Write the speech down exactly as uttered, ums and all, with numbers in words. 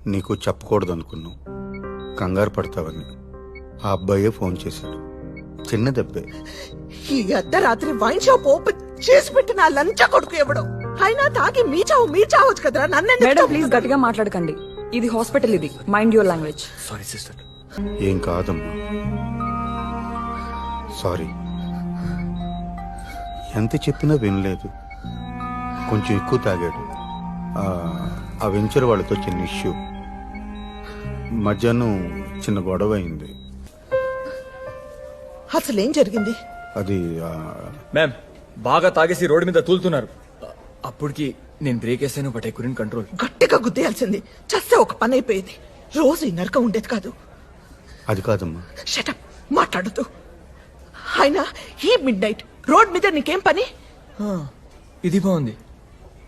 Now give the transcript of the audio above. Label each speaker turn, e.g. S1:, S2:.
S1: నీకు చెప్పకూడదు అనుకున్నావు, కంగారు పడతావని. ఆ అబ్బాయే ఫోన్ చేశాడు. చిన్న దెబ్బే.
S2: ఈ అర్ధరాత్రి వైన్ షాప్ ఓపెన్ చేసి పెట్టిన ఆ లంచ కొడుకు ఎవడో. అయినా తాగి మీ చావు మీ చావచ్చు కదరా. నన్ను
S3: మేడం ప్లీజ్ గట్టిగా మాట్లాడకండి. ఇది హాస్పిటల్, ఇది mind your language.
S4: Sorry sister.
S1: ఏం కాదమ్మా, సారీ. ఎంత చెప్పినా వినలేదు. కొంచెం ఎక్కువ తాగాడు. ఆ, ఆ వెంచర్ వాళ్ళతో చిన్న ఇష్యూ. మధ్యాహ్నం చిన్న గొడవ అయింది.
S2: అసలు ఏం జరిగింది?
S1: అది ఆ,
S4: మ్యామ్ బాగా తాగేసి రోడ్డు మీద తూలుతున్నారు. అప్పటికి నేను బ్రేక్ వేసాను, బట్ ఐ కుడెంట్ కంట్రోల్.
S2: గట్టిగా గుద్దేయాల్సింది. చస్తే ఒక పని అయిపోయేది. రోజు ఈ నరకం ఉండేది కాదు.
S1: అది కాదమ్మా.
S2: షటప్, మాట్లాడుతూ. అయినా ఈ మిడ్ నైట్ రోడ్ మీద నీకేం పని?
S4: ఇది బాగుంది.